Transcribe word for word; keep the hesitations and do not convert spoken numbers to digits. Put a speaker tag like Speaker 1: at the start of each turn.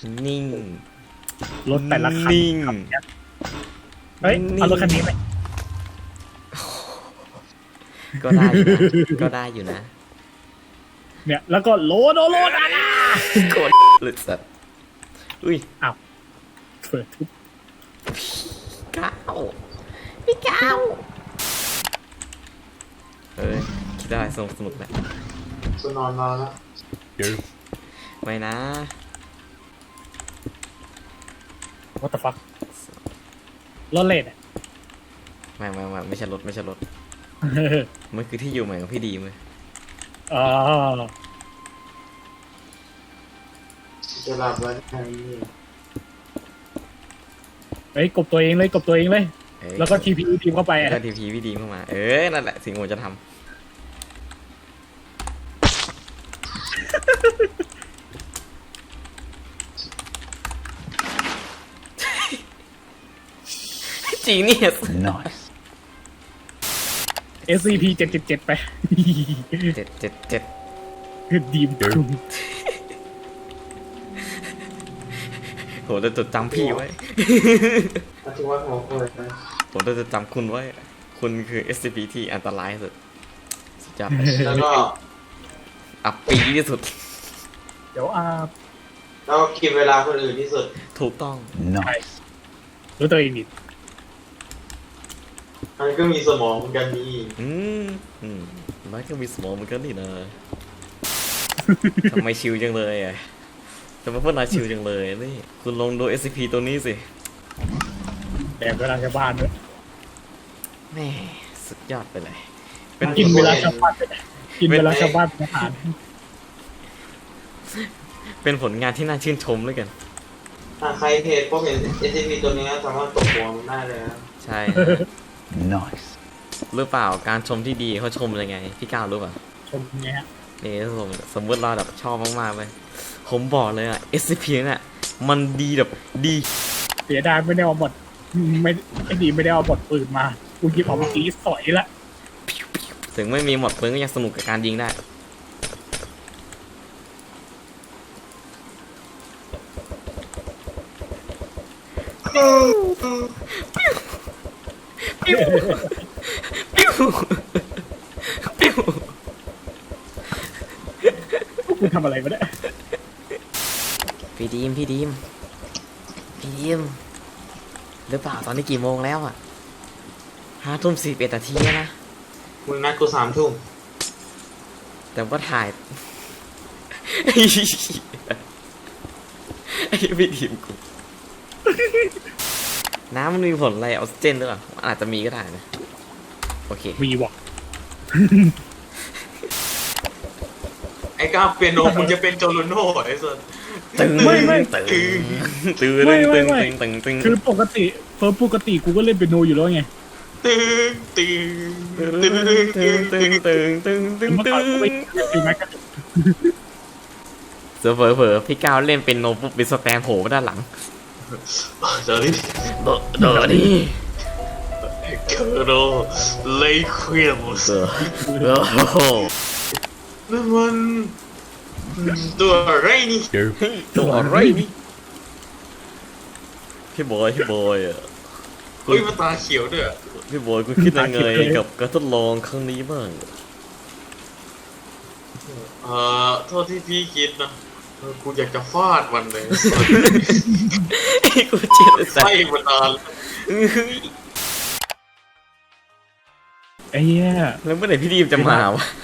Speaker 1: นิ่ง
Speaker 2: รถแต่ละคัน
Speaker 1: นิ่ง
Speaker 2: เฮ้ยเอารถคันนี้ไป
Speaker 1: ก็ได้อยู่นะก็ได้อยู่นะ
Speaker 2: เนี่ยแล้วก็โลโดโลดานะ
Speaker 1: กดหลุดสัตว์อุ้ย
Speaker 2: อ้าวเปิดทุบ
Speaker 1: ก้าวพี่ก้าวเอ้ยคิดได้สนุกสนุกแหละ
Speaker 3: จะนอนนอนแล้ว
Speaker 1: ไม่นะ
Speaker 2: what the fuck รถเลดอ่ะ
Speaker 1: ไม่ไม่ไม่ไม่ใช่รถไม่ใช่รถมันคือที่อยู่ใหม่ของพี่ดีมั้ย
Speaker 2: อ๋อ
Speaker 3: จะหลับแล้วไง
Speaker 2: เฮ้ยกบตัวเองเลยกบตัวเองเลย
Speaker 1: เอ้ย
Speaker 2: แล้วก็ทีพีทีมเข้าไป
Speaker 1: แล้ว
Speaker 2: อ่ะ
Speaker 1: ก็ทีพีพี่ดีเข้ามาเออนั่นแหละสิ่งที่ผมจะทำ จีนี่
Speaker 4: Nice.
Speaker 2: เอสซีพีเจ็ดเจ็ดเจ็ดไป
Speaker 1: เจ็ดเจ็ดเจ็ด
Speaker 2: ดีมคุม
Speaker 1: ผมจะจดจำพี่ไว้
Speaker 3: อาทิตย์วันหัวเปิดนะ
Speaker 1: ผมจะจดจำคุณไว้ คุณคือ เอส ซี พี ที่อันตรายที่สุดสุดยอด
Speaker 3: แล้วก็
Speaker 1: อับปีที่สุด
Speaker 2: เดี๋ยวอ่า
Speaker 3: แล้วก็กินเวลาคนอื่นที่สุด
Speaker 1: ถูกต้อง
Speaker 4: Nice.
Speaker 2: รู้ตัวเองดิ
Speaker 3: มันก็มีสมองเหมือนกันนี่
Speaker 1: อืมอืมมันก็มีสมองเหมือนกันนี่นะ ทำไมชิลจังเลยอ่ะทำไมพวกนายชิลจังเลยนี่คุณลองดู เอส ซี พี ตัวนี้สิ
Speaker 2: แดกเวลาชาวบ้านด้วย
Speaker 1: แม่สุดยอดไปเลย เป็น
Speaker 2: กินเวลาชาวบ้านไปเลยกินเวลาชาวบ้านเป็นอาหาร
Speaker 1: เป็นผลงานที่น่าชื่นชมเลยกัน
Speaker 3: ถ้าใครเพจพวกเห็น เอส ซี พี ตัวนี้สามารถตกหัวมันได้เลยนะ
Speaker 1: ใช่
Speaker 4: Nice.
Speaker 1: หรือเปล่าการชมที่ดีเขาชมยังไง พี่ก้าวรู้ป่ะ
Speaker 2: ชมเงี้ย
Speaker 1: นี่สมมติสมมติเราแบบชอบมากๆเลยผมบอกเลยอ่ะ เอส ซี พี เนี่ยมันดีแบบดี
Speaker 2: เสียดายไม่ได้เอาบทไม่ไอ้ดีไม่ได้เอาบทปืนมากูหยิบเอาเมื่อกี้สอยละ
Speaker 1: ถึงไม่มีหมดปืนก็ยังสนุกกับการยิงได้ ปิ้วปิ้วปิ้ว
Speaker 2: กูทำอะไรมาเนี่ย
Speaker 1: พี่ดีมพี่ดีมพี่ดีมหรือเปล่าตอนนี้กี่โมงแล้วอ่ะห้าทุ่มสี่เอ็ดนาทีแล้วนะ
Speaker 3: มึงนัดกูสามทุ่ม
Speaker 1: แต่ว่าถ่ายไอ้เหี้ยไอ้พี่ดีมกูน้ำมันมีผลอะไรออกซิเจนหรือเปล่าอาจจะมีก็ได้นะโอเค
Speaker 2: มีวะ
Speaker 3: ไอ้ก้าวเปียโนมึงจะเป็นโจโรโน่ไอ้สัส
Speaker 1: ตึง
Speaker 2: ไม่ไม่
Speaker 1: ตึงตึง
Speaker 2: ไม่
Speaker 1: ตึง
Speaker 2: ไม่
Speaker 1: ตึงตึงตึง
Speaker 2: คือปกติเฟิร์มปกติกูก็เล่นเปียโนอยู่แล้วไง
Speaker 3: ตึงตึง
Speaker 1: ตึง
Speaker 3: ตึง
Speaker 1: ตึ
Speaker 3: ตึ
Speaker 1: ง
Speaker 3: ง
Speaker 1: ตึงตึงตึงตึง
Speaker 2: เมื่อ
Speaker 1: ตึ
Speaker 2: ก่อนกูไม่
Speaker 1: ง
Speaker 2: ตีแม็กกัน
Speaker 1: เสือเผลอเผลอพี่ก้าวเล่นเป็นโนปุ๊บเป็นสแตนโผล่มาด้านหลัง
Speaker 3: เดี๋ยวนี้
Speaker 1: โดโดนี่
Speaker 3: เคอร์โรเลควีมส์
Speaker 1: เสือโอ้โห
Speaker 3: นั่นมันตัวอะไรนี่
Speaker 1: ตัวอะไรนี่พี่บอยพี่บอยอ่ะ
Speaker 3: เฮ้ยมันตาเขียวด้วย
Speaker 1: พี่บอยคุณคิดยังไงกับการทดลองครั้งนี้บ้าง
Speaker 3: เอ่อโทษที่พี่คิดนะเออกูอยากจะฟาดมันเลย
Speaker 1: ไอ้กูเจ็บสัต
Speaker 3: ไส้
Speaker 1: ว์
Speaker 3: มันนาน
Speaker 2: ไอ้เหี้ย
Speaker 1: แล้วเมื่อไหร่พี่ดีมจะมาวะ